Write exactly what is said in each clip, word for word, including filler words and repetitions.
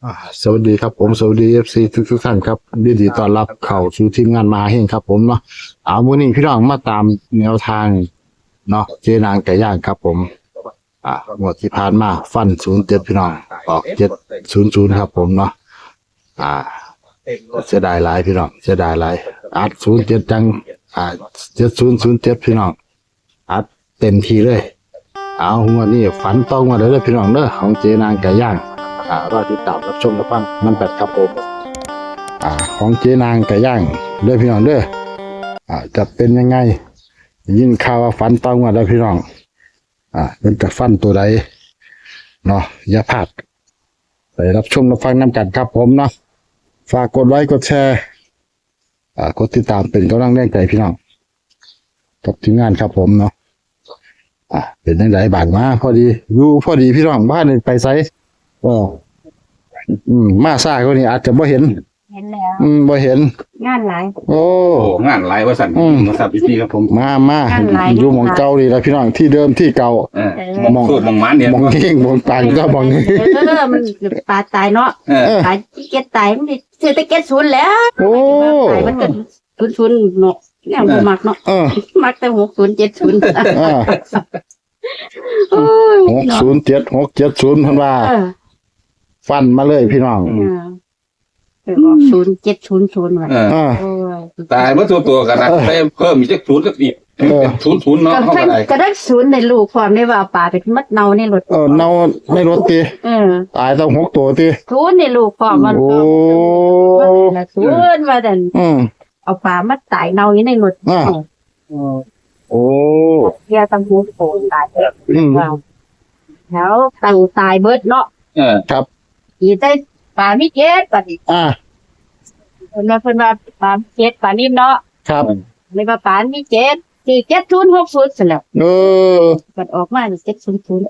อ่าสวัสดีครับผมสวัสดีเอฟซีทุกทุกท่านครับยินดีต้อนรับเข้าสู่ทีมงานมาเฮงครับผมเนาะเอามื้อนี้พี่น้องมาตามแนวทางเนาะเจนางไก่ย่างครับผมอ่างวดที่ผ่านมาฟันศูนย์เจ็ดพี่น้องออกเจ็ดศูนย์ศูนย์ครับผมเนาะอ่าเสียดายหลายพี่น้องเสียดายหลายอัดศูนย์เจ็ดจังอ่าเจ็ดศูนย์ศูนย์เจ็ดพี่น้องอัดเต็มทีเลยเอางวดนี้ฝันต้องมาเลยเด้อพี่น้องเด้อของเจนางไก่ย่างอ่ารอติดตามรับชมรับฟังมันแปดครับผมอ่าของเจนางไก่ย่างเด้อพี่น้องเด้ออ่าจะเป็นยังไงยินข่าวว่าฝันต้องมาแล้วพี่น้องอ่าเป็นจะฟันตัวใดเนาะอย่าพลาดไปรับชมรับฟังน้ำกันครับผมเนาะฝากกดไลค์กดแชร์อ่ากดติดตามเป็นกำลังแรงใจพี่น้องกับทีมงานครับผมเนาะอ่าเป็นยังไงบางมาพอดีอยู่พอดีพี่น้องบ้านนี่ไปไสก็อืมมาซ่าก็นี่อาจจะบ่เห็นเห็นแล้วอืมบ่เห็นงานหลายโอ้โอ้งานหลายว่าสั่นอืมมาสับพี่ครับผมมามานั่นหลายอยู่หมองเก่านี่แหละพี่น้องที่เดิมที่เก่าเออเออมองสูตรมองมันเนี่ยหมองเฮงหมองปังก็หมองนี้เออมันปลาตายเนาะเออตายที่เก็ตตายมันสิซื้อแต่เก็ตศูนย์แล้วโอ้ตายมันก็ศูนย์ศูนย์เนาะเนี่ยบ่มักเนาะเออมักแต่หกศูนย์เจ็ดศูนย์เออโอ้ยหกศูนย์เจ็ดหกเจ็ดศูนย์เพิ่นว่าเออฟันมาเลยพี่น้องเออเออออกศูนย์เจ็ดศูนย์ศูนย์ว่ะเอออ่าโอ้ยตายเมื่อตัวตัวกันนะไปเพิ่มอีกสักศูนย์สักอีกเออเป็นศูนย์ศูนย์เนาะก็เข้าเพิ่นไปก็ได้ศูนย์ในลูกความได้ว่าป่าเป็นมัดเนาในรถเออเนาในรถติเออตายต้องหกตัวติศูนย์ในลูกความมันโอ้มันศูนย์ว่าแต่นอืมเอาปลามาตายเนาอยู่ในรถอ่า โอ้เฮียตังหูโผล่ตายอืมแถวตังตายเบิดเนาะเออครับอีได้ปลามีเจ็ดปลาดิอ่าเพิ่นว่าเพิ่นว่าปลาเจ็ดปลานิ่มเนาะครับเลยว่าปลามีเจ็ดคือเจ็ดศูนย์หกศูนย์เสร็จแล้วเออมันออกมาเจ็ดศูนย์ศูนย์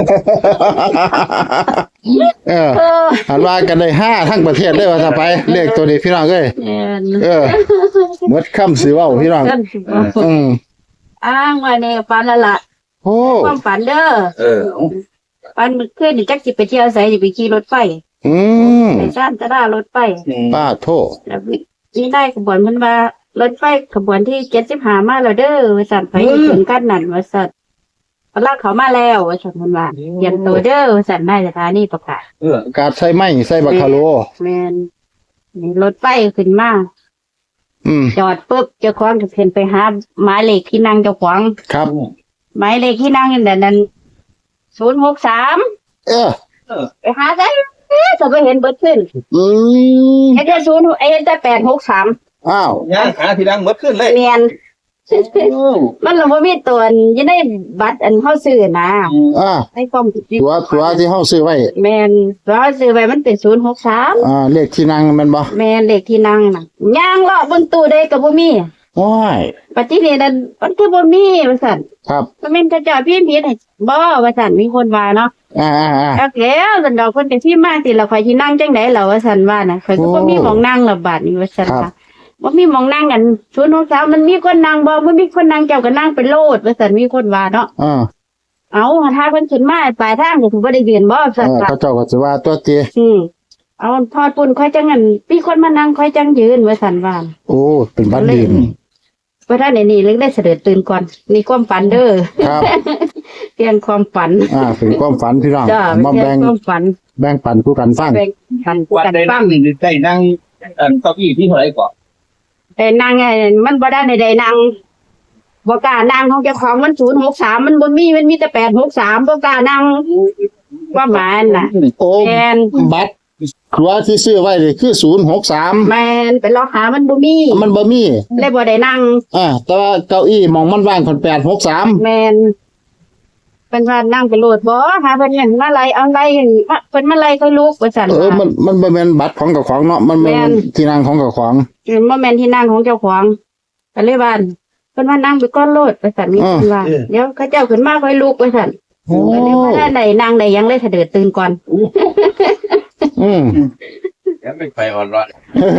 เออเออหันว่ากันได้ห้าทั้งประเทศเลยว่าถ้าไปเลขตัวนี้พี่น้องเอ้ยเอ็นเออหมดคำสิเว้าพี่น้องเพิ่นสิบอกอืมอ้างว่าเนี่ยปลาละละโอ้ความฝันเด้อเออปลาเมื่อคืนนี่จักสิไปเที่ยวไสสิไปขี่รถไฟอืมไปซ่านตะดารถไฟป้าโทษแล้วนี่ได้ขบวนมันว่ารถไฟขบวนที่เจ็ดสิบห้ามาแล้วเด้อว่าสั่นไปถึงกันนั่นว่าสั่นพลากเขามาแล้วว่าสั่นมันว่าเตรียมตัวเด้อว่าสั่นได้สถานีประกาศเออกาดใส่ไม้ใส่บักคาโลแมนนี่รถไฟขึ้นมาอืมจอดปุ๊บเจ้าของจะเพ่นไปหาหมายเลขที่นั่งเจ้าของครับหมายเลขที่นั่งนั่นนั้นศูนย์หกสามเออไปหาได้เอ๊ะจะไปเห็นเบิดขึ้นอืมเห็นแต่ศูนย์เอ็นแต่แปดหกสามอ้าวย่างหาทีดังหมดขึ้นเลยเมียนมันเราไม่มีตัวอยังได้บัตรอันเข้าซื้อนะอ่าให้ความผิดตัวตัวที่เฮาซื้อไว้แมนเราซื้อไว้มันเป็นศูนย์หกสามอ่า เลขที่นั่งแมันบ่แมนเลขที่นั่งน่ะย่างเลาะบนตู้ได้กับบ่มีโอ้ยปฏิเนนั้นมันคือบ่มีว่าซั่นครับมันเป็นกระจอกพี่ผิดให้บ่ว่าซั่นมีคนว่าเนาะอ่าอ่าอ่าเอาแล้วซั่นดอกเพิ่นก็สิมาสิแล้วข่อยสินั่งจังได๋ล่ะว่าซั่นว่าน่ะข่อยก็บ่มีหม้องนั่งละบาดนี้ว่าซั่นค่ะบ่มีหม้องนั่งกันศูนย์หกสามมันมีคนนั่งบ่บ่มีคนนั่งเจ้าก็นั่งไปโลดว่าซั่นมีคนว่าเนาะอ่าเอาถ้าเพิ่นขึ้นมาปลายทางก็ถือบ่ได้ยืนบ่เอซั่นอค่ะเขาเจ้าก็สิว่าตัวเตีอืมเอาทอดปุ่นค่อยจังงั้นมีคนมานั่งค่อยจังยืนว่าซั่นว่าโอ้เป็นบัตรดีนว่าถ้าในนี้เลยได้เสด็จตื่นก่อนมีความฝันเด้อครับเพียงความฝันอ่าเป็นความฝันพี่น้องจ้ามาเพียแบ่งงความฝันแบ่งปันผู้กันฟังแบ่งฝันวันกันใดฟันั่งงนี่ได้นั่งเอ่อเก้าอี้ที่เท่าไหร่ก่อนแต่นางไงมันบ่ได้ในใดนางบ่กล้านางของเจ้าของมันศูนย์หกสามมันบ่มีมันมีแต่แปดหกสามบ่กล้านางว่าหมายน่ะโอ้แมนบัตรตัวที่ซื้อไว้นี่คือศูนย์หกสามแมนไปลอกหามันบ่มีมันบ่มีเลยบ่ได้นั่งอ่าแต่ว่าเก้าอี้มองมันว่างคนแปดหกสามแมนเป็นว่านั่งไปโหลดบ่หาเพิ่นอย่างมาไล่เอาไล่มาเพิ่นมาไล่ค่อยลุกว่าซั่นเออว่ามันมันบ่แม่นบัตรของเจ้าของเนาะมันเป็นแม่นที่นั่งของเจ้าของมันบ่แม่นที่นั่งของเจ้าของก็เลยว่าเพิ่นว่านั่งไปก้อนโลดว่าซั่นมีคนว่าเดี๋ยวเขาเจ้าขึ้นมาค่อยลุกว่าซั่นโอ้ก็เลยบ่ได้ได้นั่งได้ยังเลยเสด็จตื่นก่อนอืมยังไม่ไปอ่อนร้อน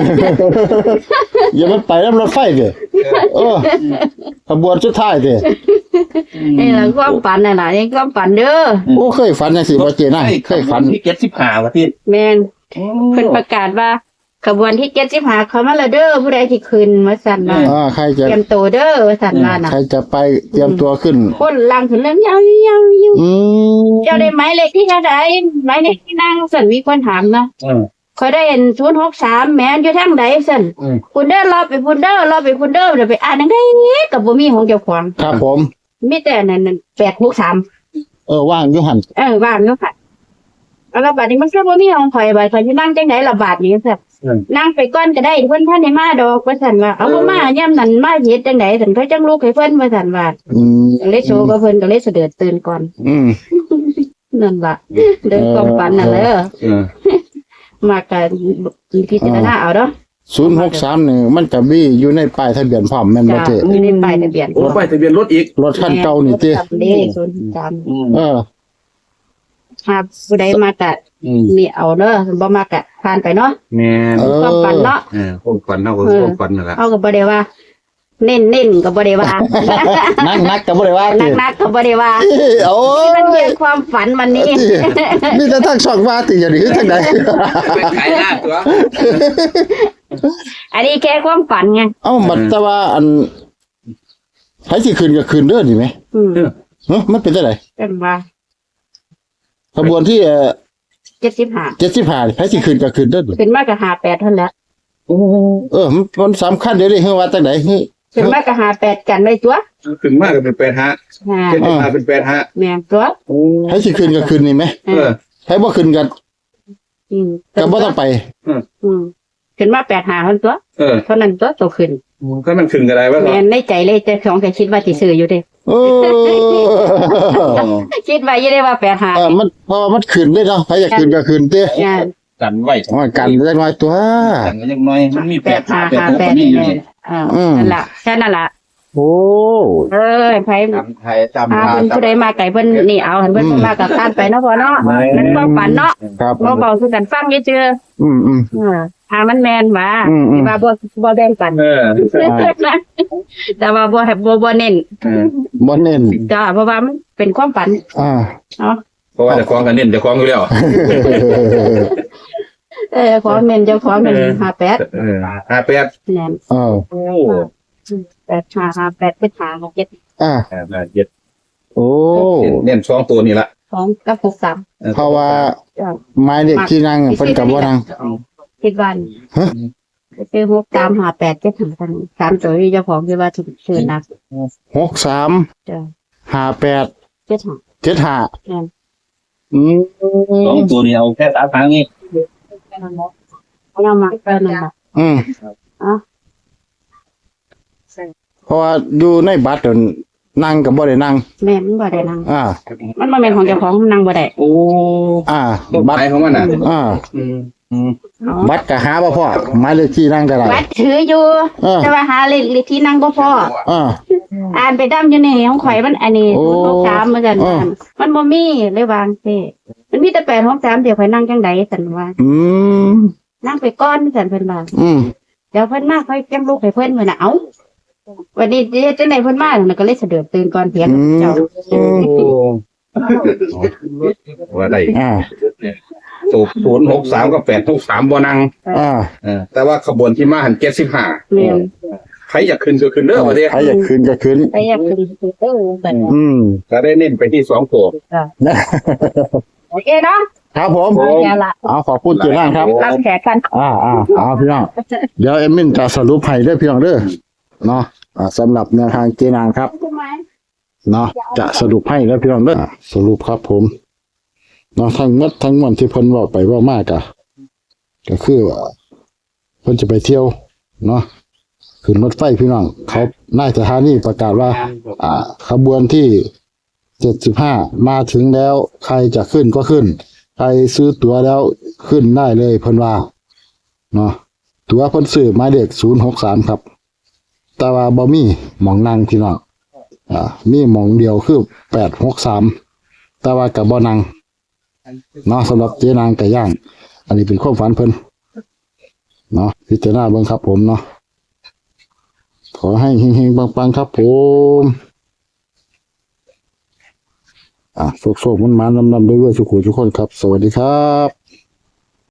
อย่ามันไปน้ำรถไฟเด้อเออขบวนสุดท้ายเด้อนี่ล่ะความฝันน่ะล่ะนี่ความฝันเด้อโอ้เคยฝันจังซี่บ่เจนะเคยฝันที่เจ็ดสิบห้าวันที่แม่นเพิ่นประกาศว่าขบวนที่เจ็ดสิบห้าเขามาแล้วเด้อผู้ใดที่ขึ้นว่าซั่นว่าอ่าใครจะเตรียมตัวเด้อว่าซั่นว่าน่ะใครจะไปเตรียมตัวขึ้นคนลังขึ้นเรื่องยาวๆๆอืมเจ้าได้หมายเลขที่เท่าใดหมายเลขที่นั่งซั่นมีคนถามนะอืมข่อยได้เห็นศูนย์หกสามแม่นอยู่ทางใดซั่นอืมพุ่นเด้อรอไปพุ่นเด้อรอไปพุ่นเด้อเดี๋ยวไปอ่านจังได๋ก็บ่มีของเจ้าของครับผมมีแต่นั่นแปดหกสามเออว่างอยู่หันเออว่างอยู่ค่ะแล้วบาดนี้มันก็บ่มีของข่อยบาดข่อยสินั่งจังได๋ล่ะบาดนี้ซั่นอืมนั่งไปก่อนก็ได้เพิ่นท่านได้มาดอกว่าซั่นว่าเอาบ่มายามนั้นมาเฮ็ดจังได๋ซั่นเขาจังลูกให้เพิ่นว่าซั่นว่าอืมก็เลยโชว์กับเพิ่นก็เลยเสด็จตื่นก่อนอืมนั่นล่ะเดินความฝันน่ะเด้อเออมากันพิจารณาเอาเด้อศูนย์หกสามนี่มันก็มีอยู่ในป้ายทะเบียนพร้อมแม่นบ่จ้ะเจ๊อยู่ในป้ายทะเบียนโอ้ไปทะเบียนรถอีกรถคันเก่านี่เจ๊เลขศูนย์สามอืมเออหากผู้ใดมากะอืมมีเอาเด้อบ่มากะผ่านไปเนาะแม่นเออความฝันเนาะเออความฝันเฮาก็ความฝันนั่นแหละเอาก็บ่ได้ว่า เน้นเน้นๆก็บ่ได้ว่านักนักก็บ่ได้ว่านัติกนักๆก็บ่ได้ว่าโอ้มันยเป็นความฝันวันนี้นี่จะทั้งช่องว่าติอย่างนี้ทั้งใดไปขายหน้าตัวอันนี้แค่ความฝันไงเอ้ามันแต่ว่าอันไผสิคืนก็คืนเด้อนี่ไหมอืมเฮ้ยมันเป็นจังไดเป็นว่าขบวนที่เอ่อเจ็ดสิบห้าเจ็ดสิบห้าไผสิคืนก็คืนเด้อนี่เป็นมากกับห้าแปดเท่านั้นแหละเออมันมันสำคัญเดี๋ยวนี้เฮือว่าจังไดเฮ้ยเป็นมากกับห้าแปดกันไว้ตัวถึงมากก็เป็นแปดฮะห้าเจ็ดสิบห้าเป็นแปดฮะแม่นตัวโอ้ไผสิคืนก็คืนนี่ไหมเออไผบ่คืนก็อืมก็บ่ต้องไปอืมขึ้นมาแปดหาเท่านั้นตัวเออเท่านั้นตัวโตขึ้นก็มันถึงอะไรวะแม่นในใจเลยแต่สองแต่คิดว่าสิซื้ออยู่เด้เออคิดไว้อยังได้ว่าแปดหาเออมันเพราะว่ามันคืนเลยเนาะไผอยากคืนก็คืนเด้อเนี่ยกันไว้ว่ากันจักหน่อยตัวกันก็ยังน้อยมันมีแปแปดดหาแปดหาหกแปก็ดมีอยู่เนี่นี่ยอ่านั่นล่ะแค่นั้นล่ะโอ้เออไผจำไทยจำอาลาวเพิ่นผู้ใดมาไก่เพิ่นนี่เอาหันเพิ่นบ่มากับทานไปเนาะพ่อเนาะมันความฝันเนาะครับบ่เบาคือกันฟังอยู่เจืออืมอืมอ่าหามันแม่นว่าอืมอืมที่ว่าบ่บ่แบ่งปันเออแต่ว่าบ่ให้บ่บ่เน้นเออบ่เน้นจ้าเพราะว่ามันเป็นความฝันอ่าเนาะเพราะว่าจะคล้องกันเน้นจะคล้องอยู่แล้วเออของเน้นเจ้าของเน้นห้าแปดเออห้าแปดแน่นเออโอ้แปดห้าห้าแปดเป็นหาหกเจ็ดอ่าแปดเจ็ดโอ้เน้นสองตัวนี่ละสองกับหกสามเพราะว่าจ้ะไม้เด็กที่นั่งเพิ่นกับบ่นั่งคิดว่าฮะคือหกสามห้าแปดเจ็ดห้ากันสามตัวที่เจ้าของคิดว่าชื่อนักหกสามจ้ะห้าแปดเจ็ดห้าเจ็ดห้าแน่นอืมสองตัวนี้เอาแค่สามครั้งนี่เอามาเออนั่นล่ะอืมอ๋อเพราะว่าอยู่ในบัตรนั่นนั่งกับบ่ได้นั่งแม่มันบ่ได้นั่งอ่ามันบ่แม่นของเจ้าของนั่งบ่ได้โอ้อ่าตัวบัตไปรของมันอ่ะอ่าอืมอืมอ๋อบัตรก็หาบ่พอไม้เลขที่นั่งก็ได้บัตรถืออยู่เออแต่ว่าหาเลขเลขที่นั่งบ่พออ่าอ่านไปดำอยู่ในของข่อยมันอันนี้โอ้ศูนย์หกสามเหมือนกันอ่ามันบ่มีเลยวางซิมันมีแต่แปดหกสามเดี๋ยวข่อยนั่งจังไดสันว่าอืมนั่งไปก้อนสันเพิ่นว่าอืมเดี๋ยวเพิ่นมาค่อยจังลูกให้เพิ่นเพิ่นน่ะเอ้าวันนี้เดี๋ยวจังไดเพิ่นมาน่ะก็เลยเสด็จตื่นก่อนเพียงเจ้าโอ้ว่าได้อ่าสูบศูนย์หกสามกับแปดหกสามบ่นังอ่าเออแต่ว่าขบวนที่มาหันเจ็ดสิบห้าแม่นใครอยากขึ้นก็ขึ้นเด้อว่าเด้ใครอยากคืนก็คืนไปอยากขึ้นเออแบบอืมก็ได้เน้นไปที่สองตัวโอเคเนาะครับผมโอ้เอาละเอาขอบคุณเจ้านั่งครับรับแขกกันอ่าอ่าเอาพี่น้อง เดี๋ยวเอมมินจะสรุปให้เด้อพี่น้องเด้อเนาะอ่าสำหรับแนวทางเจนางครับใช่ไหมเนาะจะสรุปให้เด้อพี่น้องเด้ออ่าสรุปครับผมเนาะทั้งหมดทั้งมวลที่เพิ่นเว้าไปเว้ามากอะก็คือว่าเพิ่นจะไปเที่ยวเนาะขึ้นรถไฟพี่น้องเขานายสถานีประกาศว่า อ่า ขบวนที่เจ็ดสิบห้ามาถึงแล้ว ใครจะขึ้นก็ขึ้น ใครซื้อตั๋วแล้วขึ้นได้เลยเพิ่นว่าเนาะตั๋วเพิ่นซื้อหมายเลขศูนย์หกสามครับ แต่ว่าบ่มีหมองนั่งพี่น้องอ่ามีหมองเดียวคือแปดหกสามแต่ว่ากับบ่นั่งเนาะสำหรับเจ๊นางไก่ย่าง อันนี้เป็นความฝันเพิ่นเนาะพิจารณาเบิ่งครับผมเนาะขอให้เฮงๆปังๆครับผมอ่ะโชคๆมันๆนำๆด้วยๆสุขุทุกคนครับ สวัสดีครับ